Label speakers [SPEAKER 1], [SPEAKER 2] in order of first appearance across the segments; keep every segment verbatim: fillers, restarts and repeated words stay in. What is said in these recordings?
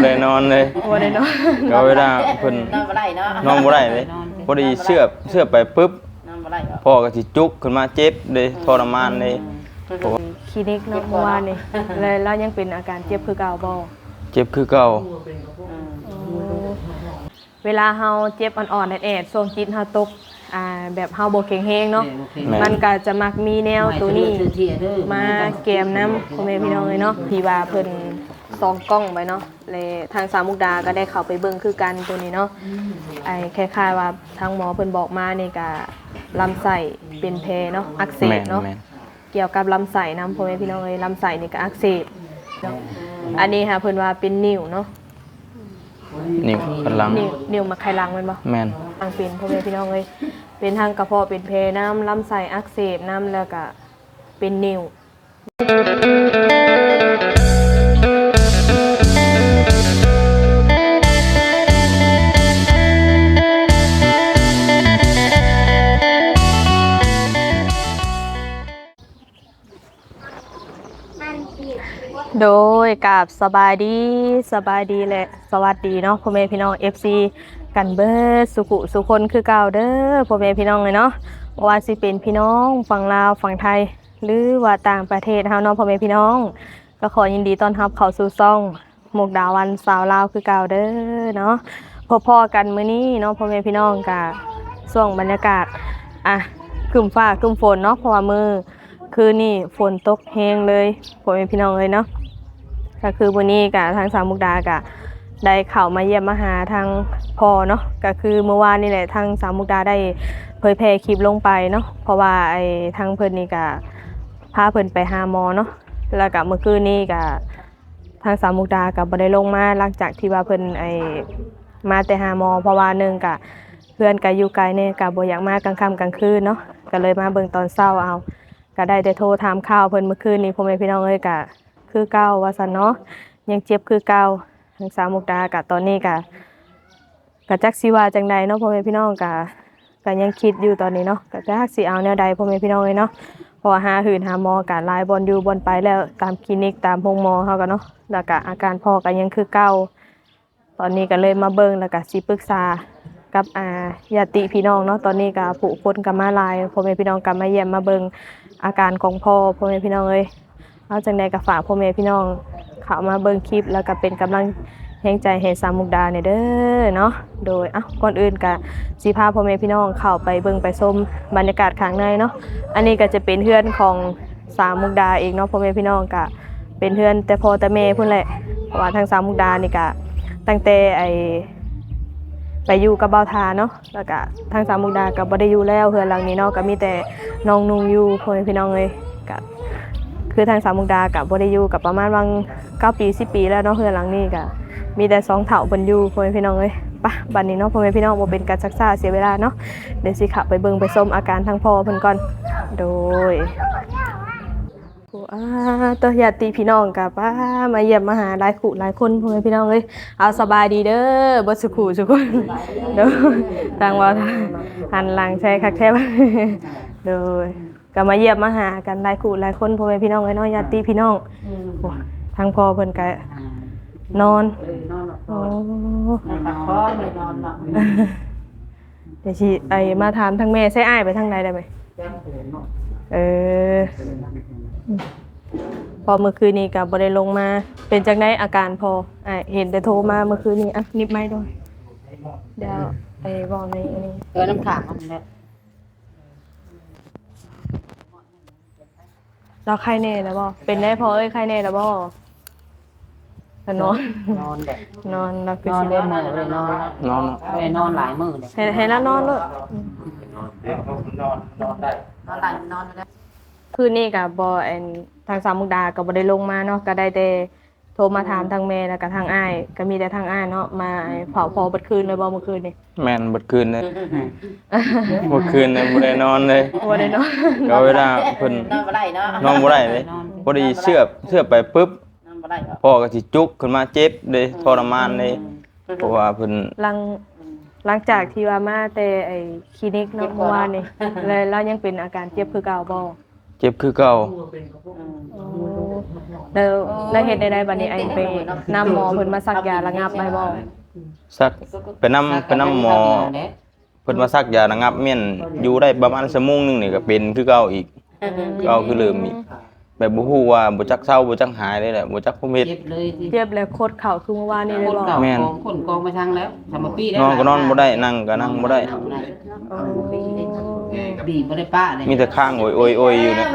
[SPEAKER 1] ได้นอนเลย
[SPEAKER 2] บ่ได้นอน
[SPEAKER 1] ก็เวลาเพิ่น
[SPEAKER 3] นอนบ่ได้เนาะ
[SPEAKER 1] นอนบ่ได้เลยพอดีเสื้อเสื้อไปปึ๊บ
[SPEAKER 3] นอนบ่ได้
[SPEAKER 1] พ่อก็สิจุกขึ้นมาเจ็บเลยทรมานเลย
[SPEAKER 2] คลินิกเนาะเมื่อวานนี่เลยแล้วยังเป็นอาการเจ็บคือเก่าบ่
[SPEAKER 1] เจ็บคือเก่า
[SPEAKER 2] เวลาเฮาเจ็บอ่อนๆแอดๆช่วงจิตเฮาตกอ่าแบบเฮาบ่แข็งแรงเนาะมันก็จะมักมีแนวตัวนี้มาแกมน้ำพ่อแม่พี่น้องเลยเนาะที่ว่าเพิ่นส่องกล้องไปเนาะเลยทางสามมุกดาก็ได้เข้าไปเบิ่งคือกันตัวนี้เนาะไอ้คล้ายๆว่าทางหมอเพิ่นบอกมานี่ก็ลำไส้เป็นแผลเนาะอักเสบเนาะเกี่ยวกับลำไส้นำพ่อแม่พี่น้องเลยลำไส้นี่ก็อักเสบอันนี้ค่ะเพิ่นว่าเป็นนิ่วเนาะ
[SPEAKER 1] นิ่วกำลัง
[SPEAKER 2] นิ่วนิ่วมาไขลังแม่นบ่
[SPEAKER 1] แม่น
[SPEAKER 2] ทางเป็นพ่อแม่พี่น้องเลยเป็นทางกระเพาะเป็นแผลน้ำลำไส้อักเสบน้ำแล้วก็เป็นนิ่วโดยกับสบายดีสบายดีและสวัสดีเนาะพ่อแม่พี่น้อง เอฟ ซี กันเบิดสุขุสุคนคือเก่าเด้อพ่อแม่พี่น้องเลยเนาะว่าสิเป็นพี่น้องฝั่งลาวฝั่งไทยหรือว่าต่างประเทศเฮาเนาะพ่อแม่พี่น้องก็ขอยินดีต้อนรับเข้าสู่ช่องมุกดาวันสาวลาวคือเก่าเด้อเนาะพอๆกันมื้อนี้เนาะพ่อแม่พี่น้องกับช่วงบรรยากาศอ่ะครึ้มฟ้าครึ้มฝนเนาะเพราะว่ามื้อคืนนี้ฝนตกแฮงเลยพ่อแม่พี่น้องเลยเนาะก็คือวันนี้กับทางสามมุกดากับได้เข้ามาเยี่ยมมาหาทางพ่อเนาะก็คือเมื่อวานนี่แหละทางสามมุกดาได้เผยแพร่คลิปลงไปเนาะเพราะว่าไอ้ทางเพิ่นนี่ก็พาเพิ่นไปหาหมอเนาะแล้วก็เมื่อคืนนี้ก็ทางสามมุกดาก็บ่ได้ลงมาหลังจากที่ว่าเพิ่นไอ้มาแต่หาหมอเพราะว่านึงก็เพื่อนก็อยู่ไกลเนี่ยก็บ่อยากมากลางค่ำกลางคืนเนาะก็เลยมาเบิ่งตอนเช้าเอาก็ได้แต่โทรถามข่าวเพิ่นเมื่อคืนนี้พ่อแม่พี่น้องเอ้ยก็คือเก่าว่าซั่นเนาะยังเจ็บคือเก่าทางสามมุกดาก็ตอนนี้ก็ก็จักสิว่าจังใดเนาะพ่อแม่พี่น้องก็ก็ยังคิดอยู่ตอนนี้เนาะก็จักสิเอาแนวใดพ่อแม่พี่น้องเอ้ยเนาะเพราะว่าหาหื่นหาหมอก็หลายบ่อนอยู่บ่อนไปแล้วตามคลินิกตามโรงหมอเฮาก็เนาะแล้วก็อาการพ่อก็ยังคือเก่าตอนนี้ก็เลยมาเบิ่งแล้วก็สิปรึกษากับอ่าญาติพี่น้องเนาะตอนนี้ก็ผู้คนก็มาหลายพ่อแม่พี่น้องก็มาเยี่ยมมาเบิ่งอาการของพ่อพ่อแม่พี่น้องเอ้ยเอาจังใดก็ฝากพ่อแม่พี่น้องเข้ามาเบิ่งคลิปแล้วก็เป็นกำลังแรงใจให้สามมุกดาเนี่ยเด้อเนาะโดยอ่ะก่อนอื่นก็สิพาพ่อแม่พี่น้องเข้าไปเบิ่งไปชมบรรยากาศข้างในเนาะอันนี้ก็จะเป็นเฮือนของสามมุกดาเองเนาะพ่อแม่พี่น้องก็เป็นเฮือนแต่พ่อแต่แม่พุ่นแหละเพราะว่าทางสามมุกดานี่ก็ตั้งแต่ไอไปอยู่กับเบาทาเนาะแล้วก็ทางสามมุกดาก็บ่ได้อยู่แล้วเฮือนหลังนี้เนาะก็มีแต่น้องนุ่งอยู่พ่อแม่พี่น้องเอ้ยก็คือทางสามมุกดากับบ่ได้อยู่กับประมาณวังเก้าปีสิบปีแล้วเนาะเฮือนหลังนี้ก็มีแต่สองเฒ่าเพิ่นอยู่พ่อแม่พี่น้องเอ้ยปะบัดนี้เนาะพ่อแม่พี่น้องบ่เป็นการซักซ่าเสียเวลาเนาะเดี๋ยวสิเข้าไปเบิ่งไปชมอาการทางพ่อเพิ่นก่อนโดยอ่าตัวญาติพี่น้องกับป้ามาเยี่ยมมาหาหลายคู่หลายคนพ่อแม่พี่น้องเอ้ยเอาสบายดีเด้อบ่สุขุทุกคนเด้อทางว่าหันหลังใช้คักแท้โดยก็มาเยี่ยมมาหากันหลายคู่หลายคนพ่อแม่พี่น้องเอ้ยเนาะญาติพี่น้องทางพ่อเพิ่นก็นอนโอ้
[SPEAKER 3] พักผ่อนเลยนอนเนาะ
[SPEAKER 2] เดี๋ยวสิไอ้มาถามทางแม่ใช้อ้ายไปทางใดได้มั้ยเออพอเมื่อคืนนี้ก็บ่ได้ลงมาเป็นจังได๋อาการพออ้ายเห็นแต่โทรมาเมื่อคืนนี้อ่ะนิบไม้ด้วยเดี๋ยวไอ้เว้าในอันนี้
[SPEAKER 3] เออน้ำขางมันแหละ
[SPEAKER 2] เราไข้แน่แล้วบ่เป็นได้พอเอ้ยไข้แน่แล้วบ่นอน
[SPEAKER 3] นอนแหละ
[SPEAKER 2] นอนแล้วคื
[SPEAKER 3] อนอนเล่นมื้อเลยนอน
[SPEAKER 1] นอน
[SPEAKER 3] ไปนอนหลายมื้อเลย
[SPEAKER 2] ให้ให้แล้วนอนเลย
[SPEAKER 3] นอนนอนนอนได้นอนหลายนอนแล้ว
[SPEAKER 2] คืนนี้ก็บ่อันทางสามมุกดาก็บ่ได้ลงมาเนาะก็ได้แต่โทรมาถามทางแม่แล้วก็ทางอ้ายก็มีแต่ทางอ้ายเนาะมาเผาพอเบิดคืนเลยบ่เมื่อคืนนี่
[SPEAKER 1] แม่นเบิดคืนเลยเมื่อคืนเนี่ยบ่ได้นอนเลย
[SPEAKER 2] บ่ได้นอน
[SPEAKER 1] ก็เวลาเพิ่น
[SPEAKER 3] นอนบ่ได้เนาะ
[SPEAKER 1] นอนบ่ได้เลยพอดีเสื้อเสื้อไปปึ๊บ
[SPEAKER 3] นอนบ่ได้
[SPEAKER 1] พ่อก็สิจุกขึ้นมาเจ็บเลยทรมานเลยเพราะว่าเพิ่น
[SPEAKER 2] หลังหลังจากที่ว่ามาแต่ไอ้คลินิกเนาะเมื่อวานนี่เลยแล้วยังเป็นอาการเจ็บคือเก่าบ่
[SPEAKER 1] เจ็บคือเก่า
[SPEAKER 2] แล้วแล้วเฮ็ดได้ๆบัดนี้ไอ้ไปนำหมอเพิ่นมาซักยาระงับไว้บ่
[SPEAKER 1] ซักไปนำไปนำหมอเพิ่นมาซักยาระงับเม่นอยู่ได้ประมาณชั่วโมงนึงนี่ก็เป็นคือเก่าอีกเก่าคือเริ่มอีกแบบบ่ฮู้ว่าบ่จักเซาบ่จักหายเลยแหละบ่จักผมเฮ็ด
[SPEAKER 4] เจ็บเลยสิ
[SPEAKER 2] เจ็บแล้วโคตรเข่าคือเมื่อวานนี้เลย
[SPEAKER 4] คน
[SPEAKER 2] บ่
[SPEAKER 4] เก่า
[SPEAKER 1] แม่น
[SPEAKER 4] ของคนกองมาทางแล้วทำมาปีแล้ว
[SPEAKER 1] นอนก็นอนบ่ได้นั่งก็นั่งบ่ได้
[SPEAKER 2] โอ้
[SPEAKER 4] บีบบ่ได้ป้าเลย
[SPEAKER 1] มีแต่ข้างโอยๆๆอยู่เนี่ย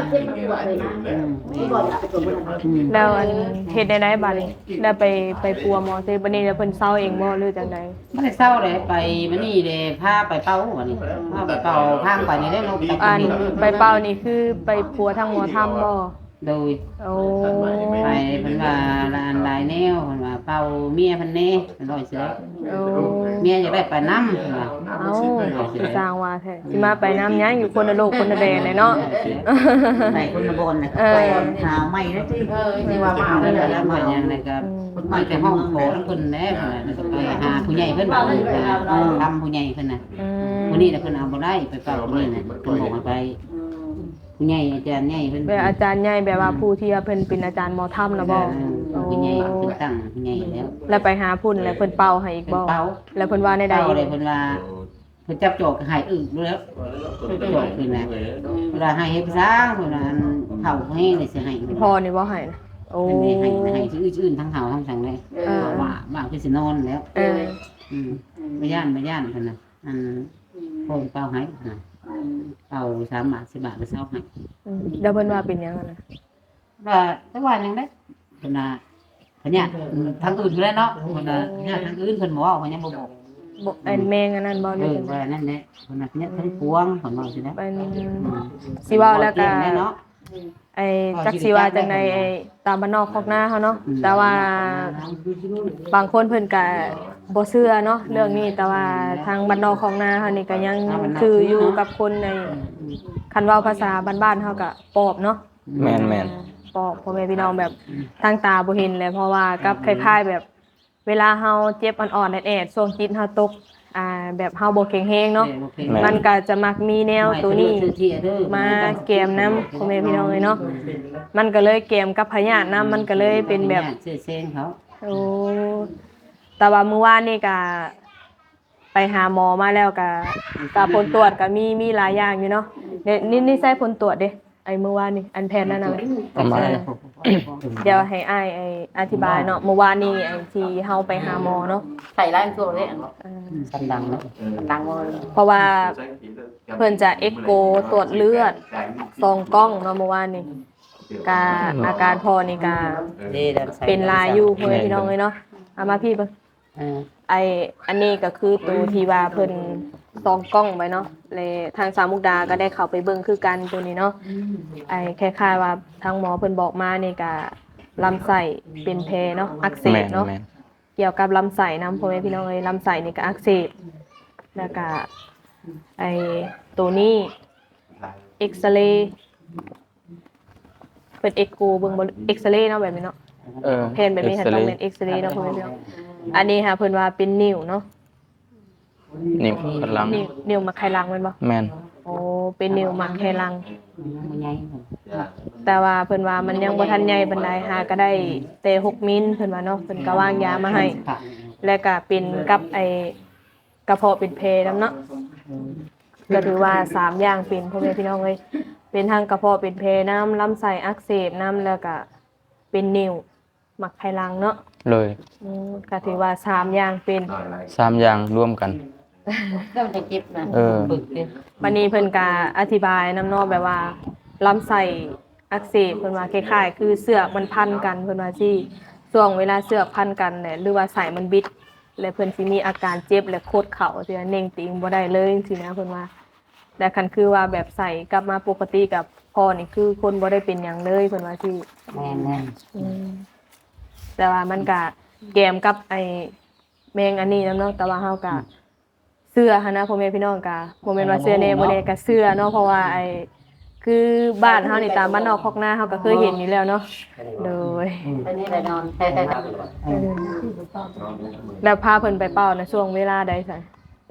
[SPEAKER 2] แล้วอันเฮ็ดได้ๆบัดนี้แล้วไปไปปัวหมอซิบัดนี้แล้วเพิ่นเซาเองบ่หรือจังได๋
[SPEAKER 4] ไม่ได้เศร้าเลยไปมันนี่เลยพาไปเป้าวันนี้พาไปเป้าข้างไปนี่ได้ลง
[SPEAKER 2] อันไปเป่านี่คือไปปัวทางหมอทำบ่
[SPEAKER 4] โดย
[SPEAKER 2] โอ้
[SPEAKER 4] ไปเพิ่นว่าลานลายแนวเพิ่นว่าเป่าเมียเพิ่นแน่เพิ่นร้อยเสือ
[SPEAKER 2] โอ้
[SPEAKER 4] เมียอยากได้ไปนำเพิ่นว่า
[SPEAKER 2] เอ้าสิสร้างว่าแท้สิมาไปน้ำหยังอยู่คนละโลกคนละแดนเลยเนาะ
[SPEAKER 5] ไหนคนละบนนะ
[SPEAKER 2] เออ
[SPEAKER 5] ไปหาไม่ได้ที่ที่ว่ามา
[SPEAKER 4] แล้
[SPEAKER 5] แล้ว ว
[SPEAKER 4] แล้
[SPEAKER 5] แล้ว ว
[SPEAKER 4] มา
[SPEAKER 5] มา
[SPEAKER 4] อย่างไรก็มาแต่ห้องโถทั้งเพิ่นแน่เพิ่นน่ะแล้วก็ไปหาผู้ใหญ่เพิ่นบอกทำผู้ใหญ่เพิ่นน่ะ
[SPEAKER 2] อืม
[SPEAKER 4] วันนี้น่ะเพิ่นเอาบ่ได้ไปเป่านี่น่ะเพิ่นบอกให้ไปผู้ใหญ่อาจารย์ใหญ่เพิ่น
[SPEAKER 2] แบบอาจารย์ใหญ่แบบว่าผู้ที่ว่าเพิ่นเป็นอาจารย์หมอถ้ำนะบ่
[SPEAKER 4] เออผู้ใหญ่เพิ่นตั้งผู้ใหญ่แล้ว
[SPEAKER 2] แล้วไปหาพุ่นแล้วเพิ่นเป่าให้อีก
[SPEAKER 4] เพิ่
[SPEAKER 2] บ่
[SPEAKER 4] นเป่า
[SPEAKER 2] แล้วเพิ่นว่าในใด
[SPEAKER 4] เป่าเลยเพิ่นว่าเพิ่นจับจอกให้อึรู้แล้วจอกขึ้นน่ะเวลาให้เฮ็ดซ่าเพิ่นว่าอันเผาให้เลยสิให้
[SPEAKER 2] พอนี่บ่ให้นะโอ้
[SPEAKER 4] เพิ่นไม่ให้ให้ชื่ออื่นๆทั้งเฮาทั้งสังเลยว่าบ้างคือสินอนแล้ว
[SPEAKER 2] เออ
[SPEAKER 4] อืมบ่ย่านบ่ย่านเพิ่นน่ะอันโป่งเป่าให้น่ะเป่าสามบาทสิบบาทไปเซาให้
[SPEAKER 2] อืมแล้วเพิ่นว่าเป็นหยังอะนะ
[SPEAKER 4] ว่าแต่ว่ายังได้เพิ่นน่ะเพิ่นเนี่ยทางอื่นอยู่แล้วเนาะเพิ่นน่ะเนี่ยทางอื่นเพิ่นบ่เว้าเพิ่นยังบ่บอก
[SPEAKER 2] บ่ไอ้แมงอันนั้นบ่
[SPEAKER 4] เอ
[SPEAKER 2] ได้
[SPEAKER 4] อ
[SPEAKER 2] จังได๋
[SPEAKER 4] ว่านั่นแหละเพิ่นน่ะเนี่ยทั้งพวงเพิ่นว่าสินะ
[SPEAKER 2] เป็นสิเว้าแล้วก็
[SPEAKER 4] เนาะ
[SPEAKER 2] ไอ้จักสิว่าจังไดไอ้ตามบ้านนอกคอกนาเฮาเนาะแต่ว่าบางคนเพิ่นก็บ่เชื่อเนาะเรื่องนี้แต่ว่าทางบ้านนอกคอกนาเฮานี่ก็ยังคืออยู่กับคนในคันเว้าภาษาบ้านๆเฮาก็ปอบเนาะ
[SPEAKER 1] แม่น
[SPEAKER 2] ปอบพ่อแม่พี่น้องแบบทางตาบ่เห็นเลยเพราะว่ากับคล้ายๆแบบ เวลาเฮาเจ็บอ่อนๆแอดๆช่วงจิตเฮาตกอ่าแบบเฮาบ่แข็งแรงเนาะมันก็จะมักมีแนวตัวนี้มาแกมนำพ่อแม่พี่น้องเลยเนาะมันก็เลยแกมกับพยาธินำมันก็เลยเป็นแบบ
[SPEAKER 4] เสื้อเส้นเขา
[SPEAKER 2] โอ้แต่ว่ามื้อวานนี่ก็ไปหาหมอมาแล้วก็ก็ผลตรวจก็มีมีหลายอย่างอยู่เนาะเดี๋ยวนี่นี่ใส่ผลตรวจเด้ไอ้มื้อวานนี่อันแพทย์นั่นน่ะแหละ
[SPEAKER 1] ประมาณ
[SPEAKER 2] เดี๋ยวให้อ้ายไอ้อธิบายเนาะเมื่อวานนี้ไอ้ที่เฮาไปหาหมอเนาะ
[SPEAKER 5] ใส่ร้านตัวเลย
[SPEAKER 2] เออ
[SPEAKER 4] สันดังเนาะ
[SPEAKER 5] ดังว่า
[SPEAKER 2] เพราะว่าเพิ่นจะเอ็กโกตรวจเลือดซองกล้องเนาะเมื่อวานนี้กาอาการพอนี่กาเป็นลายอยู่เพิ่นพี่น้องเลยเนาะเอามาพี่เบิ่ง
[SPEAKER 4] เออ
[SPEAKER 2] ไออันนี้ก็คือตัวที่ว่าเพิ่นซองกล้องไว้เนาะเลยทางสามมุกดาก็ได้เข้าไปเบิ่งคือกันตัวนี้เนาะไอคล้ายๆว่าทางหมอเพิ่นบอกมานี่ก็ลำไส้เป็นแผลเนาะอักเส
[SPEAKER 1] แม่
[SPEAKER 2] บ
[SPEAKER 1] น
[SPEAKER 2] เนาะ
[SPEAKER 1] แม่น
[SPEAKER 2] เกี่ยวกับลำไส้นำพ่อแม่พี่น้องเอ้ยลำไส้นี่ก็อักเสบแล้วก็ไอตัวนี้เอ็กซเรย์เป็นเอ็กโกเบิ่งบ่เอ็กซเรย์เนาะแบบนี้เนาะ
[SPEAKER 1] เออ
[SPEAKER 2] แผนแบบนี้ค่ะต้องเป็นเอ็กซเรย์เนาะพ่อแม่พี่น้องอันนี้ค่ะเพิ่นว่าเป็นนิ้วเนาะ
[SPEAKER 1] นิ้วกำลัง
[SPEAKER 2] นิ้วนิ้วมักไขลังแม่นบ่
[SPEAKER 1] แม่น
[SPEAKER 2] โอ้เป็นนิ้วมักไขลัง
[SPEAKER 4] มันใหญ่
[SPEAKER 2] แต่ว่าเพิ่นว่ามันยังบ่ทันใหญ่ปานใดหาก็ได้แต่หกมิลเพิ่นว่าเนาะเพิ่นก็วางยามาให้ แล้วก็เป็นกับไอ้กระเพาะเป็นเพนํเนาะก็ถือว่าสามอย่างเป็นพ่อแม่พี่น้องเอ้ยเป็นทั้งกระเพาะเป็นเพน้ำลำไส้อักเสบน้ำแล้วก็เป็นนิ้วมักไขลังเนาะ
[SPEAKER 1] เลย
[SPEAKER 2] อืมก็ถือว่าสามอย่างเป็น
[SPEAKER 1] สามอย่างร่วมกัน
[SPEAKER 5] ต้องจะเจ็บนะ
[SPEAKER 1] เออ
[SPEAKER 4] ปึกเด้
[SPEAKER 2] วันนี้เพิ่นก็อธิบายน้ำเนอกแบบว่าลำไส้อักเสบเพิ่นว่าคล้ายๆคือเสือกมันพันกันเพิ่นว่าสิช่วงเวลาเสือกพันกันเนี่ยหรือว่าไส้มันบิด แล้วเพิ่นสิมีอาการเจ็บและโคตรเข่าสิเน่งติงบ่ได้เลยจังซี่นะเพิ่นว่าแต่คันคือว่าแบบใส่กลับมาปกติกับพ่อนี่คือคนบ่ได้เป็นหยังเลยเพิ่นว่าสิ
[SPEAKER 4] แม่นแม่น
[SPEAKER 2] อืมแต่ว่ามันก็แกมกับไอ้แมงอันนี้นำเนาะแต่ว่าเฮาก็เสื้อหันนะพ่อแม่พี่น้องก็บ่แม่นว่าเสื้อแน่บ่แน่ก็เสื้อเนาะเพราะว่าไอ้คือบ้านเฮานี่ตามบ้านนอกคอกนาเฮาก็เคยเห็นอยู่แล้วเนาะโดย
[SPEAKER 5] อันนี้แหละนอน
[SPEAKER 2] แล้วพาเพิ่นไปเป่าในะช่วงเวลาใดซั่นไป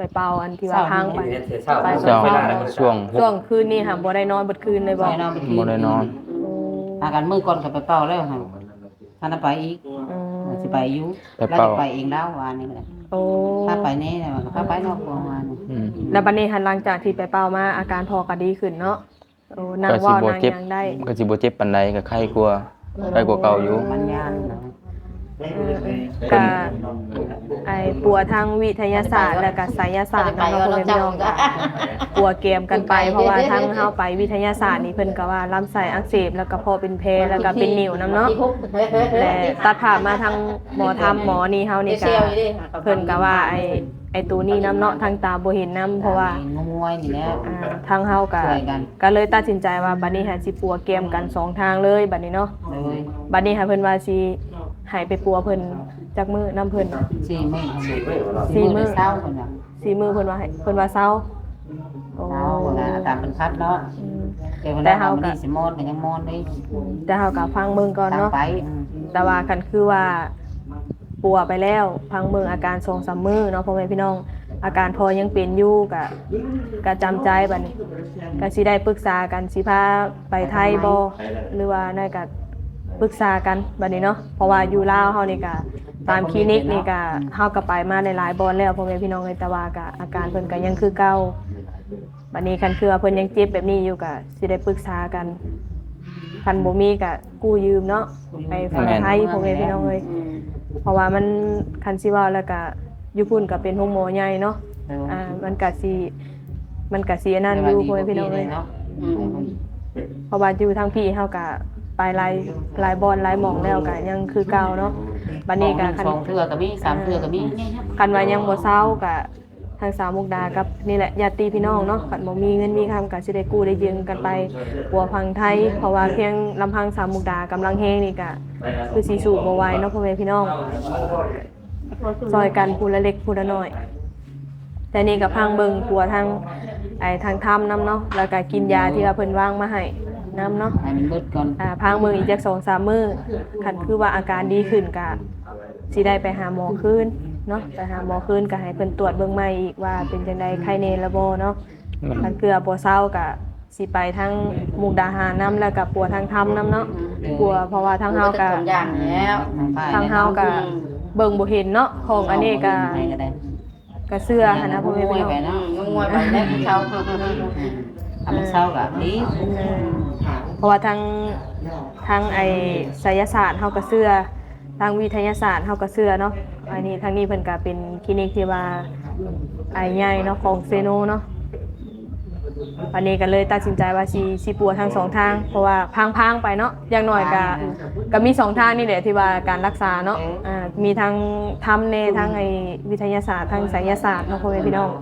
[SPEAKER 2] ไปเป่าอันที่ว่าทางไป ไป
[SPEAKER 1] เช้าช่วง
[SPEAKER 2] ช่วงคืนนี้ค่ะบ่ได้นอนเบิดคืนเลยบ่
[SPEAKER 4] ไปนอนไปคืน
[SPEAKER 1] บ่ได้นอน
[SPEAKER 4] อาการมื้อก่อนก็ไปเป่าแล้วค่ะท่านไปอีก
[SPEAKER 2] อืม
[SPEAKER 4] สิไปอยู่
[SPEAKER 1] ไป
[SPEAKER 4] แล้ว
[SPEAKER 1] เป่า
[SPEAKER 4] จะไปเองแล้ววันนี้แหละ
[SPEAKER 2] โอ้
[SPEAKER 4] ถ้าไปนี่เนี่ยมันก็ไปนอกกองวัน
[SPEAKER 1] อืม
[SPEAKER 2] แล้วบัดนี้หันหลังจากที่ไปเป่ามาอาการพอก็ดีขึ้นเนาะโอ้นั่ง
[SPEAKER 1] ก็สิ
[SPEAKER 2] เว้า
[SPEAKER 1] บ่
[SPEAKER 2] นั่ง
[SPEAKER 1] เจ็บ
[SPEAKER 2] หยังได้
[SPEAKER 1] ก็สิบ่เจ็บปานใดก็ไข้กลัวาไข้กว่าเก่าอยู่
[SPEAKER 4] มันยานนะ
[SPEAKER 2] ก็ไอ้ปัวทางวิทยาศาสตร์แล้วก็ไสยศาสตร์
[SPEAKER 5] ไป
[SPEAKER 2] เนาะ
[SPEAKER 5] ก็
[SPEAKER 2] พ่อ
[SPEAKER 5] เรา
[SPEAKER 2] แม่พี่
[SPEAKER 5] เจ้า
[SPEAKER 2] น้อง
[SPEAKER 5] ก็
[SPEAKER 2] ปัวเกมกันไปเพราะว่าทั้งเฮาไปวิทยาศาสตร์นี่เพิ่นก็ว่าลำไส้อักเสบแล้วก็พอเป็นเพลแล้วก็เป็นนิ่วนํเนาะและตัดภาพมาทางหมอทำหมอนี่เฮานี่ก็เพิ่นก็ว่าไอ้ไอ้ตัวนี้นํเนาะทางตาบ่เห็นนํเพราะว่า
[SPEAKER 4] งงวยนี่แหละ
[SPEAKER 2] อ่าทางเฮาก็
[SPEAKER 4] ช่วยกัน
[SPEAKER 2] ก็เลยตัดสินใจว่าบัดนี้หาสิปัวเกมกันสองทางเลยบัดนี้เนาะ
[SPEAKER 4] เลย
[SPEAKER 2] บัดนี้หาเพิ่นว่าสิให้ไปปัวเพิ่นจักมื้อนํเพิ่น
[SPEAKER 4] สี่มื้อ
[SPEAKER 2] สี่มื้อ
[SPEAKER 4] เช้าคนน่ะ
[SPEAKER 2] สี่มื้อเพิ่นว่าให้เพิ่นว่าเซาโอ้
[SPEAKER 4] เช้าคนน่ะตามเป็นคัดเนาะ
[SPEAKER 2] อืม
[SPEAKER 4] แต่เว
[SPEAKER 2] แต่
[SPEAKER 4] ลา
[SPEAKER 2] เฮา
[SPEAKER 4] เฮา
[SPEAKER 2] ก็
[SPEAKER 4] ก็สิมอนก็ยังมอนเลย
[SPEAKER 2] แต่เฮาก็ฟังเบิ่งก่อน
[SPEAKER 4] ตาม
[SPEAKER 2] เนาะ
[SPEAKER 4] ไปอืม
[SPEAKER 2] แต่ว่าคันคือว่าปัวไปแล้วพังเบิ่งอาการสองสามมื้อเนาะพ่อแม่พี่น้องอาการพอยังเป็นอยู่ก็ก็จำใจบัดนี้ก็สิได้ปรึกษากันสิพาไปไทยบ่หรือว่านั่นก็ปรึกษากันบัดนี้เนาะเพราะว่าอยู่ลาวเฮานี่ก็ตามคลินิกนี่ก็เฮาก็ไปมาหลายๆบ่อนแล้วพ่อแม่พี่น้องเอ้ยแต่ว่าก็อาการเพิ่นก็ยังคือเก่าบัดนี้คันคือว่าเพิ่นยังเจ็บแบบนี้อยู่ก็สิได้ปรึกษากันคันบ่มีก็กู้ยืมเนาะไปฝั่งไทยพ่อแม่พี่น้องเอ้ย เพราะว่ามันคันสิเว่าแล้วก็อยู่พุ่นก็เป็นโรงหมอใหญ่เนาะ อ่า มันก็สิมันก็สิอันนั้นอยู่พ่อแม่พี่น้องเอ้ยเพราะว่าอยู่ทางพี่เฮาก็ไปหลายหลายบอนหลายหม่องแล้วก็ยังคือเก่าเนาะบัดนี้ก็คัน
[SPEAKER 4] สองเทื่อก็มีสามเทื่อก็มี
[SPEAKER 2] คันว่ายังบ่เซาก็ทางสาวมุกดากับนี่แหละญาติพี่น้องเนาะคันบ่มีเงินมีคำก็สิได้กู้ได้ยืมกันไปปัวพังไทย เพราะว่าเพียงลำพังสาวมุกดากำลังแฮงนี่ก็คือสิสู้บ่ไหวเนาะพ่อแม่พี่น้อง ซอยกันผู้ละเล็กผู้ละน้อย แต่นี่ก็พังเบิงตัวทางไอ้ทางถ้ำน้ำเนาะแล้วก็กินยาที่ว่าเพิ่นวางมาให้น้ำเนาะ
[SPEAKER 4] ให้มันเบิดก่อน
[SPEAKER 2] อ่าพังเบิงอีกจักสองสามมื้อคันคือว่าอาการดีขึ้นก็สิได้ไปหาหมอคืนเนาะไปหาหมอคืนก็ให้เพิ่นตรวจเบิ่งใหม่อีกว่าเป็นจังไดไข้แน่ละบ่เนาะคันเกลือบ่เซาก็สิไปทางมุกดาหารน้ำแล้วก็ปัวทางถ้ำน้ำเนาะปัวเพราะว่าทางเฮาก็
[SPEAKER 5] ทำอย่างแล้ว
[SPEAKER 2] ทางเฮาก็เบิ่งบ่เห็นเนาะของอันนี้ก็ก็เสื้อหั่นนะพ่อแม่พี่น้อง
[SPEAKER 4] ไปเนาะ
[SPEAKER 5] งวยไปแล้วเขา
[SPEAKER 4] ทำเช้าก็ดี
[SPEAKER 2] เออเพราะว่าทางทางไอ้ไสยศาสตร์เฮาก็เสื้อทางวิทยาศาสตร์เฮาก็เสื้อเนาะอันนี้ทางนี้เพิ่นก็เป็นคลินิกที่ว่าไอ้ใหญ่เนาะของเซโนเนาะอันนี้ก็เลยตัดสินใจว่าสิสิปัวทั้งสองทางเพราะว่าพังๆไปเนาะอย่างน้อยก็ก็มีสองทางนี่แหละที่ว่าการรักษาเนาะอ่ามีทางทำในทางไอ้วิทยาศาสตร์ทางไสยศาสตร์เนาะพ่อแม่พี่น้อง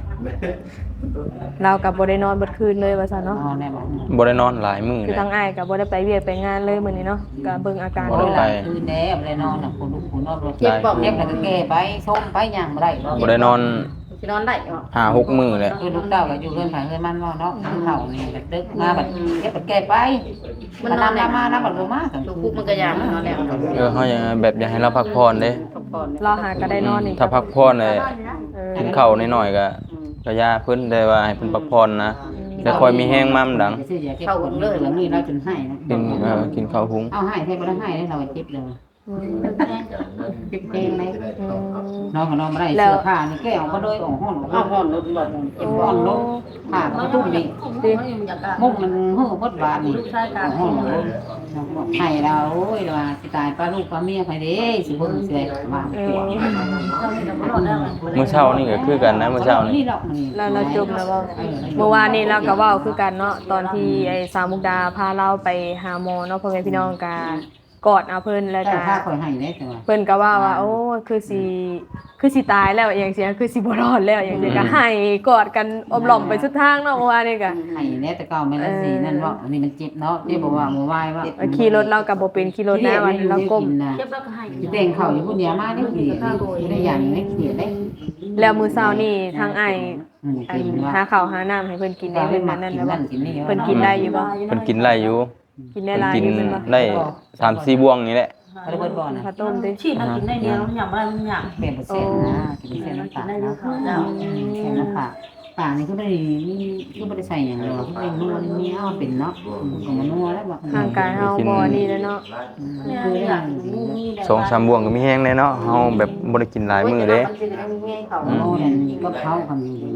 [SPEAKER 2] เราก็บ่ได้นอนเบิดคืนเลยว่าซั่น
[SPEAKER 4] อ๋อ
[SPEAKER 2] เนาะ
[SPEAKER 4] แน่บ่
[SPEAKER 1] บ่ได้นอนหลายมื้อ
[SPEAKER 2] คือ
[SPEAKER 1] เลย
[SPEAKER 2] ทางอ้ายก็บ่ได้ไปเวียกไปงานเลยมื้อนี้เนาะก็เบิ่งอาการ
[SPEAKER 1] บ่
[SPEAKER 2] นี่
[SPEAKER 1] ได้
[SPEAKER 2] ล่ะ
[SPEAKER 1] ไป
[SPEAKER 4] คืนแน่บ่ได้นอนน่ะคนลูกคนนอนบ่
[SPEAKER 5] เจ็บบอก
[SPEAKER 4] เจ็บแล้วก็แก้ไปส้มไปย่างบ่ได้บ่
[SPEAKER 1] บ่ได้นอน
[SPEAKER 5] จะนอนได้เหรอ
[SPEAKER 1] ห้าหกมื้อเลย
[SPEAKER 4] คือลูกเต้าก็อยู่เรือนไผเรือนมันเนาะเนาะเฒ่านี่แบบดึกมาบัดเก็บบัดแก้ไปมันนำมานะบัดบ่มาซั่น
[SPEAKER 5] ลูกคุกมันก็ยามนอนแล้ว
[SPEAKER 1] เออเฮายังแบบอยากให้เราพักผ่อนเด้
[SPEAKER 5] พักผ่อน
[SPEAKER 2] เราหาก็ได้นอนนี่
[SPEAKER 1] ถ้าพักผ่อนเลย
[SPEAKER 2] เออ
[SPEAKER 1] กินข้าวน้อยๆก็ก็ยาเพิ่นได้ว่าให้เพิ่นพักผ่อนนะแต่ค่อยมีแห้งมามันดัง
[SPEAKER 4] เข้าเลยแล้วนี่เราจนให้นะ
[SPEAKER 1] กินเออกินข้าวหุง
[SPEAKER 4] เอาให้แท้บ่ได้ให้เราเจ็บเลย
[SPEAKER 2] อืม
[SPEAKER 4] เจ็บเองเลย
[SPEAKER 2] อืม
[SPEAKER 4] น้องก็นอนบ่ได้เสื้อผ้านี่แก้ออกมาเลยออกห้อน
[SPEAKER 5] เอาห่อนรถบ่
[SPEAKER 4] เจ็บห้อนลงผ้าก็ตุ้มนี่
[SPEAKER 2] ดิ
[SPEAKER 4] มุกมันเฮ้อหมดบาดนี่ห้อนลงให้เราโอ้ยว่าสิตายป้าลูกป้าเมียไปเด้สิเบิ่งสิได้ว่า
[SPEAKER 2] เอ
[SPEAKER 4] ตัว
[SPEAKER 2] อ
[SPEAKER 1] มื้อเช้านี่ก็คือกันนะมื้อเช้านี่
[SPEAKER 4] นี่หรอกนี่
[SPEAKER 2] แล้วเราจมแล้วบ่เมื่อวานนี้เราก็เว้าคือกันเนาะตอนที่ไอ้สาวมุกดาพาเราไปหาหมอเนาะพ่อแม่พี่น้องก็กอดเอาเพิ่นแล้ว
[SPEAKER 4] แต่
[SPEAKER 2] ก็
[SPEAKER 4] ถ้าคอยให้ได้แต่ว่า
[SPEAKER 2] เพิ่นก็ว่าว่าโอ้คือสิคือสิตายแล้วอย่างเสียคือสิบ่รอดแล้วอย่างเสียก็ให้กอดกันอมหล่อมไปสุดทางเนาะเมื่อวานนี้ก็
[SPEAKER 4] ให้แน่แต่เก่าแม่นละสินั่นว่าอันนี้มันเจ็บเนาะเจ็บบ่ว่าบ่วายว่า
[SPEAKER 2] ขี่รถเราก็บ่เป็นขี่รถนะวันเราก้ม
[SPEAKER 5] เจ็บแล้วก็ให้
[SPEAKER 4] สิแต่งเข้าอยู่พุ่นเดียวมาได้เขียนได้อย่างนี้เขียนได้
[SPEAKER 2] แล้วมื้อเช้านี่ทางอ้าย
[SPEAKER 4] อืม
[SPEAKER 2] อัน
[SPEAKER 4] กินว่า
[SPEAKER 2] หาข้าวหาน้ำให้เพิ่นกินได้เพิ่นนั้นแล้วบ่
[SPEAKER 4] กินนี่
[SPEAKER 2] เพิ่นกินได้อยู่บ่
[SPEAKER 1] เพิ่นกินไล่อยู่
[SPEAKER 2] กินได้
[SPEAKER 1] เพิ่น
[SPEAKER 2] หลาย
[SPEAKER 1] กิน
[SPEAKER 2] อยู่เพิ่นบ่
[SPEAKER 1] ได้สามสี่บ่วงนี่แหละ
[SPEAKER 2] อ
[SPEAKER 4] บ่ได้เบิดบ่น่ะ
[SPEAKER 2] ข้าวต้มดิ
[SPEAKER 5] ชีมากินได้เดียวหยำอะไรหยำ
[SPEAKER 4] แปดเปอร์เซ็นต์นะกินเส้นน้ำปลาเนาะแค่น้ำปลาปลานี่ก็ไม่ได้ก็ไม่ได้ใส่อย่างเดียวก็ไม่ได้นัวนี่มีเอาเป็นเนาะก็มานัวแล้วบ่
[SPEAKER 2] ร่างกายเฮาบ่นี่แล้วเนาะ
[SPEAKER 4] คือเรื่อง
[SPEAKER 1] สองสามบ่วงก็มีแห้งแน่เนาะเฮาแบบบ่ได้กินหลายมื้อเด้
[SPEAKER 4] โอ้นั่นก็เขาทำอยู่ดี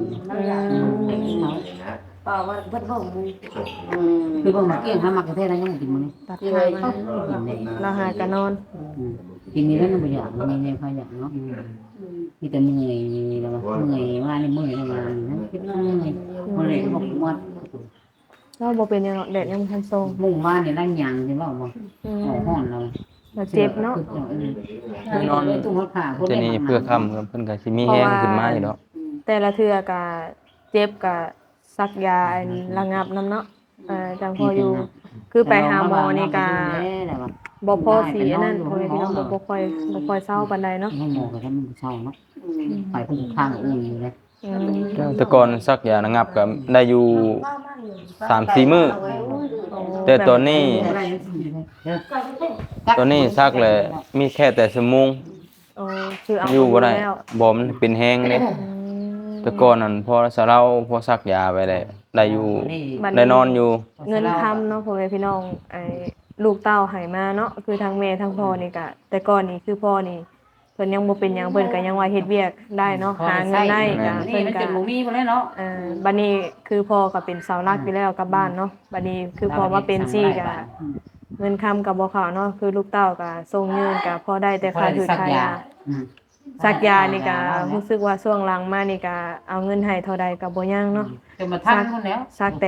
[SPEAKER 5] เปล่าว่าเพิ่นบ่มึง
[SPEAKER 4] คือบ่มาเกี่ยงหามักประเทศอะไรยังกินมื้อนี้
[SPEAKER 2] ตัดขามา
[SPEAKER 4] กินได้
[SPEAKER 2] เราหากะนอน
[SPEAKER 4] กินนี้แล้วมันบ่อยากมีแนวพาอยากเนาะมีแต่เมื่อยแล้วเมื่อยมานี่เมื่อยแล้วมานะคิดเมื่อยบ่ได้บ่หมด
[SPEAKER 2] เราบ่เป็นหยังเนาะแดดยังบ่ทันส่ง
[SPEAKER 4] มุ่งมาเนี่ยนั่งหยังสิว่าบ่
[SPEAKER 2] อืม
[SPEAKER 4] ฮ้อนเรา
[SPEAKER 2] เราเจ็บเนาะ
[SPEAKER 4] คือนอนตู้หัวผ้า
[SPEAKER 1] ทีนี้เพื่อค่ำครับเพิ่นก็สิมีแห้งขึ้นมาอยู่ดอก
[SPEAKER 2] แต่ละเทื่อก็เจ็บก็ซักยาอันระงับน้ำเนาะเอ่อจังพออยู่ คือไปหาหมอนี่ก็บ่พอสีอันนั้นพ่อแม่พี่น้องบ่บ่ค่อยบ่ค่อยเศร้าปานใดเนาะ
[SPEAKER 4] ให้หมอก็ทำมันเศร้าเนาะไปเพิ่นข้างอุ่นอยู่เลย
[SPEAKER 2] อืม
[SPEAKER 1] แต่ก่อนซักยาระงับก็ได้อยู่สามสี่มื้อแต่ตอนนี้ ตอนนี้ซักเลยมีแค่แต่ชั่วโมง
[SPEAKER 2] โอ้คือเอา
[SPEAKER 1] อยู่บ่ได้
[SPEAKER 2] แล้ว
[SPEAKER 1] บ่มันเป็นแห้งเด้
[SPEAKER 2] อืม
[SPEAKER 1] แต่ก่อนนั้นพอสะเราพอซักยาไปได้ได้อยู่ได้นอนอยู่
[SPEAKER 2] เงินคำเนาะพ่อแม่พี่น้องไอ้ลูกเต้าให้มาเนาะคือทั้งแม่ทั้งพ่อนี่ก็แต่ก่อนนี่คือพ่อนี่เพิ่นยังบ่เป็นหยังเพิ่นก็ยังว่าเฮ็ดเวียกได้เนาะหาเงินได้ก็
[SPEAKER 4] นี่
[SPEAKER 2] เพิ่น
[SPEAKER 4] มัน
[SPEAKER 2] ก็
[SPEAKER 4] จะบ่มีบ่เลยเนาะ
[SPEAKER 2] เอ่อบัดนี้คือพ่อก็เป็นเสาหลักอยู่แล้วกับบ้านเนาะบัดนี้คือพอมาเป็นซี่ก็เงินคำก็บ่เข้าเนาะคือลูกเต้าก็ส่งเงินก็พอได้แต่ค่าถือค่ายาสักยานี่ก็รู้สึกว่าช่วงหลังมานี่ก็เอาเงินให้เท่าใดก็บ่ยังเนาะ
[SPEAKER 4] จะมาทันพุ่นแล้ว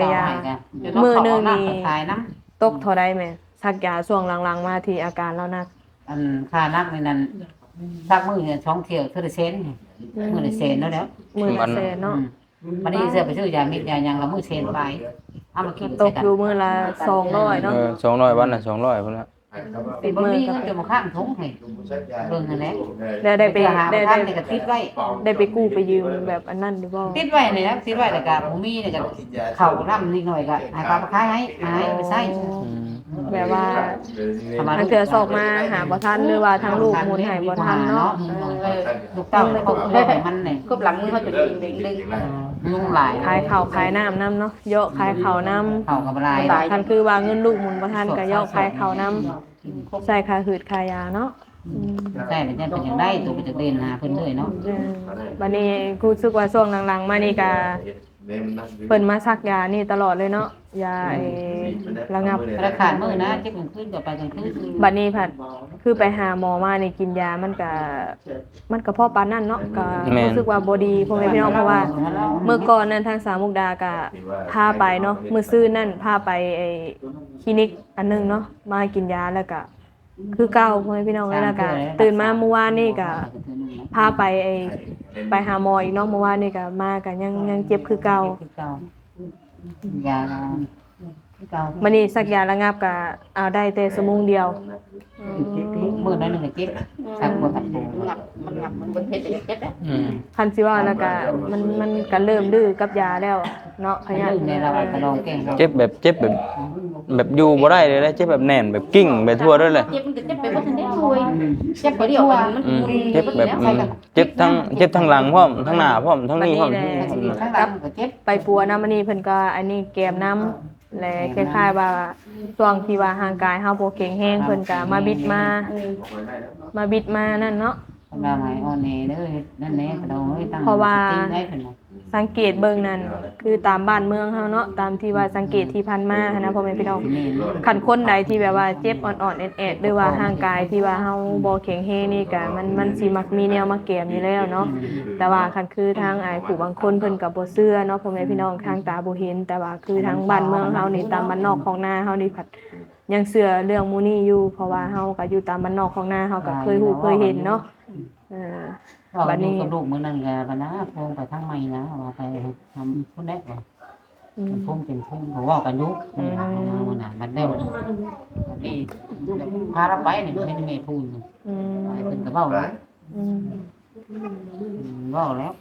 [SPEAKER 4] ขายน้ำ
[SPEAKER 2] ตกเท่าใดแม่สักยาช่วงหลังๆมาที่อาการแล้วนัก
[SPEAKER 4] อันค่านักในนั้นซักมื้อเนี่ยช่องเที่ยวเท่าได้เซนมื้อได้เซนแล้วแล้ว
[SPEAKER 2] มื้อละแสนเนาะ
[SPEAKER 4] วันนี้เสื้อไปซื้อยาเม็ดยายังละมื้อเซนไปเอามากิน
[SPEAKER 2] ตกอยู่มื้อละสองร้อยเนาะ
[SPEAKER 1] เออสองร้อยวันน่ะสองร้อยพุ่นละ
[SPEAKER 4] เป็นบ่มีเงินจะมาข้างทงให้เบิ่งนั่นแหละ
[SPEAKER 2] แล้วได้ไป
[SPEAKER 4] หา
[SPEAKER 2] ได้
[SPEAKER 4] ทา
[SPEAKER 2] ได้
[SPEAKER 4] งนี่ก็ติดไว้
[SPEAKER 2] ได้ไปกู้ไปยืมแบบอันนั้นดีบ่
[SPEAKER 4] ติดไว้นี่นะติดไว้แล้วก็บ่มีนี่ก็เข้าร่ำนิดหน่อยก็ให้ป้ามาขายให้ให้ไปใช้
[SPEAKER 1] อืม
[SPEAKER 2] แบบว่าทางเถื่อสอกมาหาบ่ทันหรือว่าทางลูกหมุนให้บ่ทันเนาะ
[SPEAKER 4] เออลูกเต้าเขาให้มันนี่
[SPEAKER 5] กบหลังมือเขาจะดึงดึงดึง
[SPEAKER 4] ลุงหลาย
[SPEAKER 2] ขายข้าวขายน้ำน้ำเนาะเยอะขายข้าวน้ำ
[SPEAKER 4] เข้ากับลาย
[SPEAKER 2] คันคือว่าเงินลูกหมุนบ่ทันก็เยอะขายข้าวน้ำใส่ค่าหืดค่ายาเนาะอืม
[SPEAKER 4] ใช่แล้วจะเป็นจังได๋ตัวไปจักเด่นหาเพิ่นเลยเนาะ
[SPEAKER 2] เออบัดนี้กูรู้สึกว่าช่วงหลังๆมานี่ก็เพิ่นมาซักยานี่ตลอดเลยเนาะยาไอ้ระงับ
[SPEAKER 4] ราคามื้อนะเจ็บกลางคืนก็ไปกลางคืน
[SPEAKER 2] บัดนี้ผัดคือไปหาหมอมานี่กินยามันก็มันก็พอปานนั้นเนาะก็รู้สึกว่าบ่ดีพ่อแม่พี่น้องเพราะว่าเมื่อก่อนนั้นทางสามมุกดาก็พาไปเนาะมื้อซื่อนั่นพาไปไอ้คลินิกอันนึงเนาะมากินยาแล้วก็คือเก่าพ่อแม่พี่น้องแล้วก็ตื่นมาเมื่อวานนี่ก็พาไปไอ้ไปหาหมออีกเนาะเมื่อวานนี่ก็มาก็ยังยังเจ็บคือเก่า
[SPEAKER 4] คือเก่ายาคือเก่า
[SPEAKER 2] บัดนี้สักยาระงับก็เอาได้แต่ชั่วโมงเดียว
[SPEAKER 4] มื้อนั้นนึงก็เจ็บสักบ่ทันปู
[SPEAKER 5] มันงับมันงับมันบนเพชรเจ็บอ่ะ
[SPEAKER 1] อืม
[SPEAKER 2] คันสิว่าแล้วก็มันมันก็เริ่มดื้อกับยาแล้วเนาะพยา
[SPEAKER 4] ลืมในเราก็ลองแกล้ง
[SPEAKER 1] เจ็บแบบเจ็บแบบแบบอยู่บ่ได้เลยนะเจ็บแบบแน่นแบบกิ้งไปทั่วเลยเลย
[SPEAKER 5] เจ็บมันก็เจ็บไปหมดทั้งนี้เลยเจ็บไปเดียวมัน
[SPEAKER 1] อืมเจ็บแบบอืมเจ็บทั้งเจ็บทั้งหลังพร้อมทั้งหน้าพร้อมทั้งนี้พร้อม
[SPEAKER 4] ข้างหลังก็เจ็บ
[SPEAKER 2] ไปปัวน้ำมันนี่เพิ่นก็อันนี้แกมน้ำและคล้ายๆว่าช่วงที่ว่าร่างกายเฮาบ่แข็งแรงเพิ่นก็มาบิดมามาบิดมานั่นเนาะ
[SPEAKER 4] เราหายอ่อนแอเด้อนั่นแหละกระดองเอ้ยตั้งได้เพิ่นน่ะ
[SPEAKER 2] สังเกตเบิ่งนั่นคือตามบ้านเมืองเฮาเนาะตามที่ว่าสังเกตที่ผ่านมาหั้นนะพ่อแม่พี่น้องคันคนใดที่แบบว่าเจ็บอ่อนๆแอดๆหรือว่าร่างกายที่ว่าเฮาบ่แข็งแรงนี่ก็มันมันสิมักมีแนวมาแกมอยู่แล้วเนาะแต่ว่าคันคือทางอ้ายผู้บางคนเพิ่นก็บ่เชื่อเนาะพ่อแม่พี่น้องทางตาบ่เห็นแต่ว่าคือทางบ้านเมืองเฮานี่ตามบ้านนอกของนาเฮานี่ผัดยังเชื่อเรื่องหมู่นี้อยู่เพราะว่าเฮาก็อยู่ตามบ้านนอกของนาเฮาก็เคยฮู้เคยเห็นเนาะเออ
[SPEAKER 4] บัดนี้กับลูกมื้อนั้นก็บัดนะพงไปทางใหม่นะว่าไปทำพุ่นได้บ่พุ่งเป็นพุ่งเขาว่ากันอยู่มื้อน่ะบัดได้บัดนี้พาเราไปนี่ไม่ได้แม่พูด
[SPEAKER 2] อืม
[SPEAKER 4] ไปเพิ่นก็เว้าแล้ว
[SPEAKER 2] อืม
[SPEAKER 4] เว้าแล้ว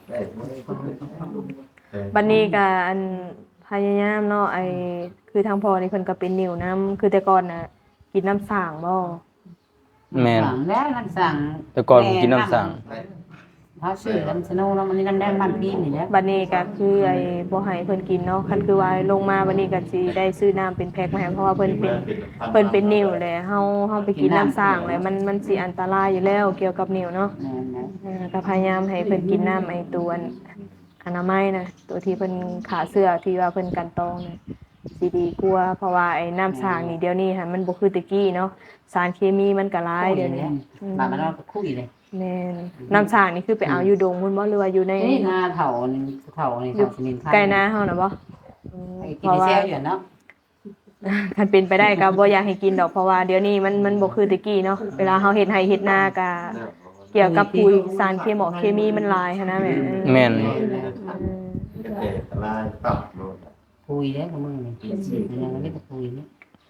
[SPEAKER 2] บัดนี้ก็อันพยายามเนาะไอ้คือทางพ่อนี่เพิ่นก็เป็นนิ้วน้ำคือแต่ก่อนน่ะกินน้ำสร้างบ่
[SPEAKER 1] แม่น
[SPEAKER 4] สั่งแล้วน้ำสั่ง
[SPEAKER 1] แต่ก่อนผมกินน้ำสั่ง
[SPEAKER 4] เขาชื่อน้ำสโนแล้วมันนี่น้ำแดงบ้านพี่นี่แหละ
[SPEAKER 2] บัดนี้ก็คือไอ้บ่ให้เพิ่นกินเนาะคันคือว่าลงมาบัดนี้ก็สิได้ซื้อน้ำเป็นแพ็คมาให้เพราะว่าเพิ่นเป็นเพิ่นเป็นนิ่วแหละเฮาเฮาไปกินน้ำสร้างเลยมันมันสิอันตรายอยู่แล้วเกี่ยวกับนิ่วเนาะ
[SPEAKER 4] แม่นนะ
[SPEAKER 2] เออก็พยายามให้เพิ่นกินน้ำไอ้ตัวอันอนามัยนะตัวที่เพิ่นขาเสื้อที่ว่าเพิ่นกันตองน่ะสิดีกว่าเพราะว่าไอ้น้ำสร้างนี่เดี๋ยวนี้ค่ะมันบ่คือแตะกี้เนาะสารเคมีมันก็หลายเดี๋ยวนี้
[SPEAKER 4] บ้านมันเราคุยเลย
[SPEAKER 2] แม่นน้ำสร้างนี่คือไปเอาอยู่ดงพุ่นบ่หรือว่าอยู่ใน
[SPEAKER 4] นี่นาเถานี่เถานี่
[SPEAKER 2] อยู่
[SPEAKER 4] เถาสนินไทย
[SPEAKER 2] ใกล้นาเฮาน่ะบ่อืม
[SPEAKER 4] กิ
[SPEAKER 2] เพ
[SPEAKER 4] น
[SPEAKER 2] ราะว่า
[SPEAKER 4] เซลอยู่เนาะ
[SPEAKER 2] คันเป็นไปได้ก็บ่อยากให้กินดอกเพราะว่าเดี๋ยวนี้มันมันบ่คือแตะกี้เนาะเวลาเฮาเฮ็ดไร่เฮ็ดนาก็เกี่ยวกับปุ๋ยสารเคมีเคมีมันหลายหันนะแม่เออ
[SPEAKER 1] แม่น
[SPEAKER 2] อืม
[SPEAKER 3] เด็กลายปรับโลด
[SPEAKER 4] คุยแล้วกับมึงนี่ยังไม่ได้คุยนี่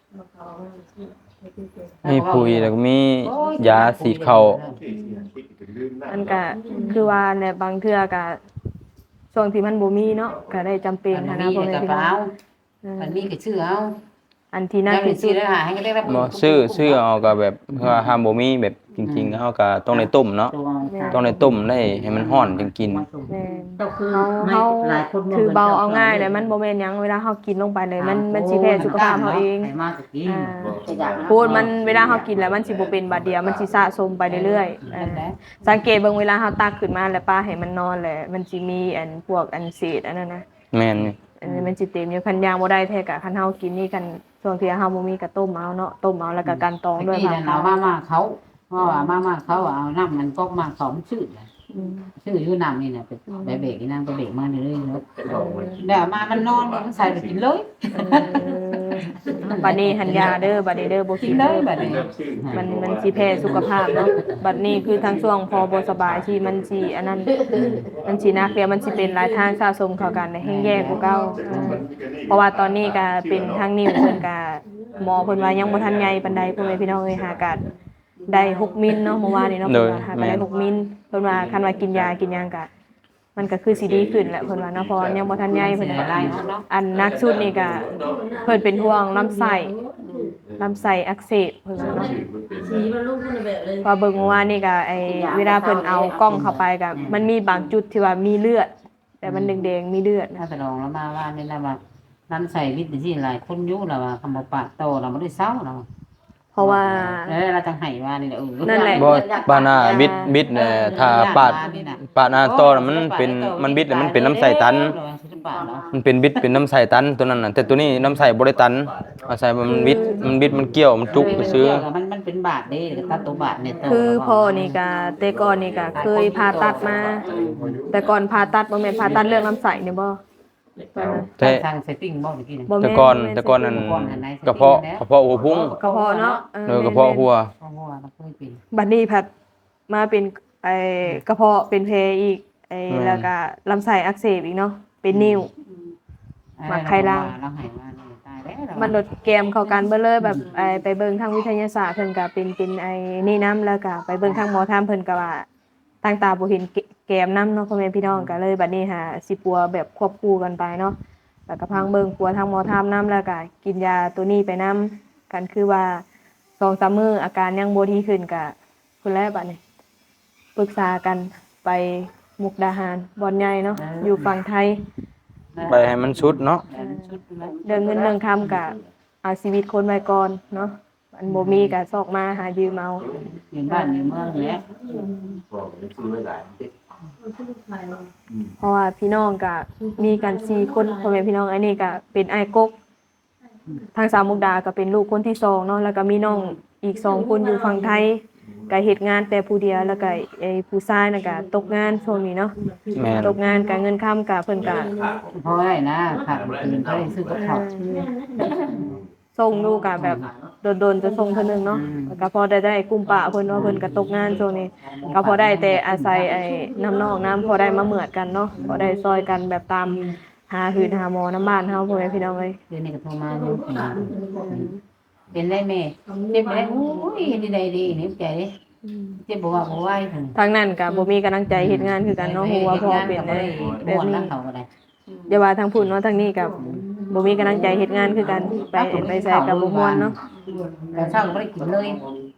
[SPEAKER 1] มีปุ๋ยแล้วก็มียาสีดเข้า
[SPEAKER 2] อันก็คือว่าในบางเทื่อก็ช่วงที่มันบ่มีเนาะก็ได้จำเป็น
[SPEAKER 4] อั
[SPEAKER 2] หัน
[SPEAKER 4] น
[SPEAKER 2] นะ
[SPEAKER 4] นี้
[SPEAKER 2] พ่อแม่
[SPEAKER 4] กับ
[SPEAKER 2] พี่
[SPEAKER 4] เป
[SPEAKER 2] น้อ
[SPEAKER 4] ล่าง
[SPEAKER 2] เออ
[SPEAKER 4] อันนี้ก็ชื่อเอา
[SPEAKER 2] อันที่น่า
[SPEAKER 4] ยัง
[SPEAKER 2] คิ
[SPEAKER 4] เป็
[SPEAKER 2] ด
[SPEAKER 4] น
[SPEAKER 2] สุ
[SPEAKER 4] ชื่อ
[SPEAKER 2] ด
[SPEAKER 4] ได้หาให้ก็ได้รับ
[SPEAKER 1] บ่ซื้อซื้อเอาก็แบบว่าห้ามบ่มีแบบจริงๆเฮาก็ต้องได้ต้มเนาะต้องได้ต้มได้ให้มันร้อนจึงกิน
[SPEAKER 2] แม่น
[SPEAKER 4] ก็คือ
[SPEAKER 2] เฮาเฮาถือเบาเอาง่ายเลยมันบ่แม่นหยังเวลาเฮากินลงไปเลยมันมันสิแพ้สุขภาพเฮาเอง
[SPEAKER 4] มาตะกี้
[SPEAKER 2] อ่าพูดมันเวลาเฮากินแล้วมันสิบ่เป็นบาดเดียวมันสิสะสมไปเรื่อยๆเออสังเกตเบิ่งเวลาเฮาตักขึ้นมาแล้วป้าให้มันนอนแหละมันสิมีอันพวกอันเศษอันนั้นนะ
[SPEAKER 1] แม่นนี่
[SPEAKER 2] อันนี้มันสิเต็มอยู่คันยางบ่ได้แท้กะคันเฮากินนี่กันช่วงที่เฮาบ่มีก็ต้มเอาเนาะต้มเอาแล้วก็กันตองด้วย
[SPEAKER 4] ที่
[SPEAKER 2] ค่ะ
[SPEAKER 4] เอามามาเขาเพราะว่ามามาเขาเอาน้ำมันก๊อกมาเขามันชื่อ
[SPEAKER 2] อืม
[SPEAKER 4] ชื่ออยู่น้ำนี่เนี่ยเป็นใบเบรกนี่นั่งก็เบรกมาเรื่อยๆเนาะ
[SPEAKER 3] เป็นดอกไม้
[SPEAKER 4] เดี๋ยวมามันนอนมันใส่ไปกินเลย
[SPEAKER 2] บัดนี้หันยาเด้อบัดนี้เด้อบ่
[SPEAKER 4] กิ
[SPEAKER 2] กิ
[SPEAKER 4] น
[SPEAKER 2] น
[SPEAKER 4] เล
[SPEAKER 2] เด้
[SPEAKER 4] ย
[SPEAKER 2] อ
[SPEAKER 4] แบบนี้
[SPEAKER 2] มันมันสิแพ้สุขภาพเนาะบัดนี้คือทางช่วงพอบ่สบายที่มันสิอันนั้นมันสินักเดียวมันสิเป็นหลายทางสะสมเข้ากันแฮงแย่กว่าเก่าอ่าเพราะว่าตอนนี้ก็เป็นทางนิ้วเพิ่นก็หมอเพิ่นว่ายังบ่ทันใหญ่ปานใดพ่อแม่พี่น้องเอ้ยหากาดได้หกมิลเนาะเมื่อวานนี้เนาะเพิ่นว่าหากาได้หกมิลเพิ่นว่าคันว่ากินยากินหยังก็มันก็คือสิดีขึ้นแหละเพิ่นว่าเนาะเพราะว่ายังบ่ทันใหญ่เพิ่น
[SPEAKER 4] อะ
[SPEAKER 2] ว่า
[SPEAKER 4] ไรเนาะ
[SPEAKER 2] อันนักสุดนี่ก็เพิ่นเป็นห่วงลำไส้ลำไส้อักเสบเพิ่นว่าเนาะ
[SPEAKER 5] สีมันลูกมันแบบเลย
[SPEAKER 2] พอเบิ่งว่านี่ก็ไอ้เวลาเพิ่นเอากล้องเข้าไปก็มันมีบางจุดที่ว่ามีเลือด แต่มันแดงๆมีเลือด
[SPEAKER 4] ถ้า
[SPEAKER 2] นะ
[SPEAKER 4] ไปลองแล้วมาว่านี่นะว่าน้ำใส่วิตามินหลายคนยุ่แล้วว่าคำว่าปากโตเราไม่ได้เศร้าเรา
[SPEAKER 2] เพราะว่า
[SPEAKER 4] แล้วเราจังไห้ว่านี่แหละเออ
[SPEAKER 2] นั่นแหละ
[SPEAKER 1] บ่บานาบิดบิดเนี่ยถ้าปาดปาดหน้าต่อน่ะมันเป็นมันบิดแล้วมันเป็นน้ำใส่ตัน มันเป็นบิดเป็นน้ำใส่ตันตัวนั้นน่ะแต่ตัวนี้น้ำใส่บ่ได้ตันอาศัยมันบิดมันบิดมันเกี่ยวมันจุกไปซื้อ
[SPEAKER 4] มันมันเป็นบาทเด้ตัดตัวบาทเนี่ย
[SPEAKER 2] คือพ่อนี่ก็แต่ก่อนนี่ก็เคยผ่าตัดมา แต่ก่อนผ่าตัดบ่แม่นผ่าตัดเรื่องลำไส้นี่บ่
[SPEAKER 1] แต่
[SPEAKER 4] ทางเซตติ้งบ่เมื่อกี้นี่
[SPEAKER 2] บ่
[SPEAKER 1] แต่
[SPEAKER 2] แม่น
[SPEAKER 1] ก่อน
[SPEAKER 2] บ่ม่
[SPEAKER 1] แต่ก่อนนั้น
[SPEAKER 2] เ
[SPEAKER 1] กระเพาะกระเพาะหัวพุ่ง
[SPEAKER 2] กระเพาะเนาะ
[SPEAKER 1] เออกระเพาะหัว
[SPEAKER 4] เพราะว่าเราเคยเป็น
[SPEAKER 2] บัดนี้ผัดมาเป็นไอ้กระเพาะเป็นเพอีกไอ้
[SPEAKER 1] อืม
[SPEAKER 2] แล้วก็ลำไส้อักเสบอีกเนาะเป็นนิ่ว มักไข่ลาว
[SPEAKER 4] เราหายว่านี่ตายแล้ว
[SPEAKER 2] มันลดแกมเข้ากันเบ่เลยแบบไอ้ไปเบิ่งทางวิทยาศาสตร์เพิ่นก็เป็นเป็นไอ้นี่นํแล้วก็ไปเบิ่งทางหมอทำเพิ่นก็ว่าต่างตาบ่เห็นแกแกมนํเนาะพ่อแม่พี่น้องก็เลยบัดนี้หาสิปัวแบบควบคู่กันไปเนาะแล้วก็พังเบิ่งปัวทางหมอทำนํแล้วก็กินยาตัวนี้ไปนํกันคือว่าสองสามมื้ออาการยังบ่ดีขึ้นก็พุ่นแหละบัดนี้ปรึกษากันไปมุกดาหารบ่อนใหญ่เนาะอยู่ฝั่งไทย
[SPEAKER 1] ไปให้มันชุดเนาะ
[SPEAKER 4] ชุดนะ
[SPEAKER 2] เรื่องเงินเรื่องคำกับเอาชีวิตคนไว้ก่อนเนาะอันบ่มีก็ซอกมาหายืมเอา
[SPEAKER 4] อยู่บ้านอยู่เมืองเนี่ย
[SPEAKER 3] บอกเลยซื้อไว้หลาย
[SPEAKER 2] เพราะว่าพี่น้องก็มีกันสี่คนพ่อแม่พี่น้องอันนี้ก็เป็นอ้ายกกทางสามมุกดาก็เป็นลูกคนที่สองเนาะแล้วก็มีน้องอีกสองคนอยู่ฝั่งไทยก็เฮ็ดงานแต่ผู้เดียวแล้วก็ไอ้ผู้ชายน่ะก็ตกงานช่วงนี้เนาะ
[SPEAKER 1] แม่น
[SPEAKER 2] ตกงานก็เงินค้ำก็เพิ่นก็
[SPEAKER 4] เพราะอะไรนะผักอื่นเขาได้ซื้อกับเขา
[SPEAKER 2] ส่งลูกก็แบบโดนๆจะส่งเพิ่นนึงเนาะแล้วก็พอได้ได้กลุ่มปะเพิ่นว่าเพิ่นก็ตกงานช่วงนี้ก็พอได้แต่อาศัยไอ้น้ำนอกน้ำพอได้มาเหมือดกันเนาะพอได้ซอยกันแบบตามหาหืนหาหมอน้ำบ้านเฮาพ่อแม่พี่น้องเอ้ย
[SPEAKER 4] เดือนนี้ก็โทรมาอยู่เป็นได้แม่เจ็บได้โอ้ยดีใดดีนี่ใจดิเจ็บบ่ว่าบ่ไหวถึง
[SPEAKER 2] ทางนั้นก็บ่มีกำลังใจเฮ็ดงานคือกันเนาะฮู้ว่าพ่อเป็นได้แบ
[SPEAKER 4] แบบ บ
[SPEAKER 2] นี้
[SPEAKER 4] นี้เขาก็ได้
[SPEAKER 2] อย่าว่าทางพุ่นเนาะทางนี้ก็บ่มีกำลังใจเฮ็ดงานคือกันไปไปใส่กับบ่ม่วนเนาะ
[SPEAKER 4] แต่เช้าก็บ่ได้กินเลย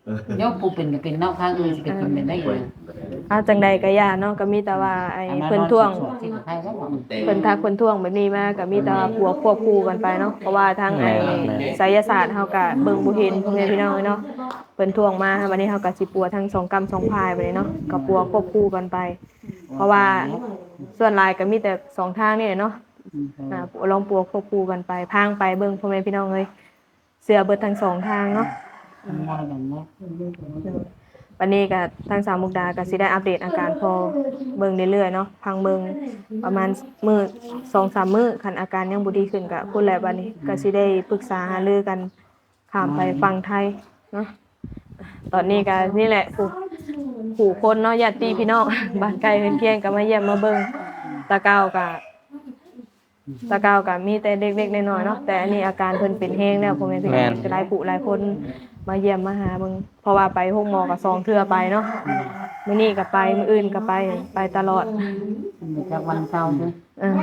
[SPEAKER 4] ยกผู้เป็นก็เป็นเนาะข้างอื่นสิเป็นคนเป็นได้อยู่
[SPEAKER 2] เอาจังใดก็ย่าเนาะก็มีแต่ว่าไอ้เพิ่นท่วง
[SPEAKER 4] ที่ใครแล้วบอก
[SPEAKER 2] เพิ่นทักเพิ่นท่วงแบบนี้มาก็มีแต่ว่าปัวควบคู่กันไปเนาะเพราะว่าทางไอ้ไสยศาสตร์เฮาก็เบิ่งบ่เห็นพ่อแม่พี่น้องเนาะเพิ่นท่วงมาวันนี้เฮาก็สิปัวทั้งสองกรรมสองพายไปเลยเนาะก็ปัวควบคู่กันไป เพราะว่าส่วนหลายก็มีแต่สองทางนี่แหละเนาะอ่าลองปัวควบคู่กันไปพางไปเบิ่งพ่อแม่พี่น้องเอ้ยเสือเบิดทั้งสองทางเนาะ
[SPEAKER 4] มองอย่างนี้
[SPEAKER 2] วันนี้ก็ทางสามมุกดาก็สิได้อัปเดตอาการพอเบิ่งเรื่อยๆเนาะพังเบิ่งประมาณมื้อ สองสาม มื้อคันอาการยังบ่ดีขึ้นก็พูดแล้วบัดนี้ก็สิได้ปรึกษาหารือกันข้ามไปฟังไทยเนาะตอนนี้ก็นี่แหละผู้ผู้คนเนาะญาติพี่น้อง บ้านใกล้เรือนเคียงก็มาเยี่ยมมาเบิ่งตะเกาก็ตะเกาก็มีแต่เด็กๆน้อยๆเนาะแต่อันนี้อาการเพิ่นเป็นแฮงแล้วพ่อแม่พี่น้องหลายผู้หลายคนมาเยี่ยมมาหาเบิ่งเพราะว่าไปห้องหมอก็สองเทื่อไปเนาะมื้อนี้ก็ไปมื้ออื่นก็ไปไปตลอด
[SPEAKER 4] มันจากวันเสาร์ด้วย
[SPEAKER 2] เออ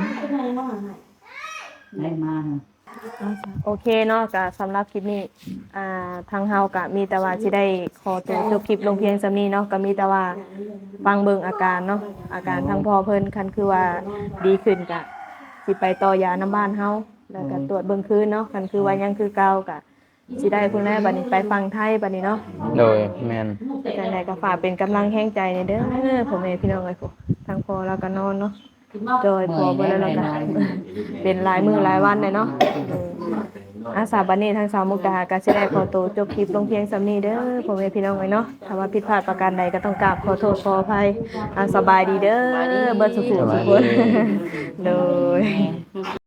[SPEAKER 4] ได้มา
[SPEAKER 2] โอเคเนาะก็สำหรับคลิปนี้อ่าทางเฮาก็มีแต่ว่าสิได้ขอตัวจบคลิปลงเพียงส่ำนี้เนาะก็มีแต่ว่าฟังเบิ่งอาการเนาะอาการทางพ่อเพิ่นคันคือว่าดีขึ้นก็สิไปต่อยาน้ำบ้านเฮาแล้วก็ตรวจเบิ่งคืนเนาะคันคือว่ายังคือเก่าก็สิได้พุ่นแม่บัดนี้ไปฟังไทยบัดนี้เนาะ
[SPEAKER 1] โดยแม่น
[SPEAKER 2] จังไดก็ฝากเป็นกำลังแรงใจในเด้อพ่อแม่พี่น้องเอ้ยพุทางพ่อแล้วก็นอนเนาะโดยพอเบิ่แล้วแล้วก็เป็นหลายมื้อหลายวันเลยเนาะอาสาบัดนี้ทางสาวมุกดาก็สิได้ขอตัวจบคลิปลงเพียงส่ำนี้เด้อพ่อแม่พี่น้องเอ้ยเนาะถ้าว่าผิดพลาดประการใดก็ต้องกราบขอโทษขออภัยอ่าสบายดีเด้อเบิดสุขสุขทุกคนโดย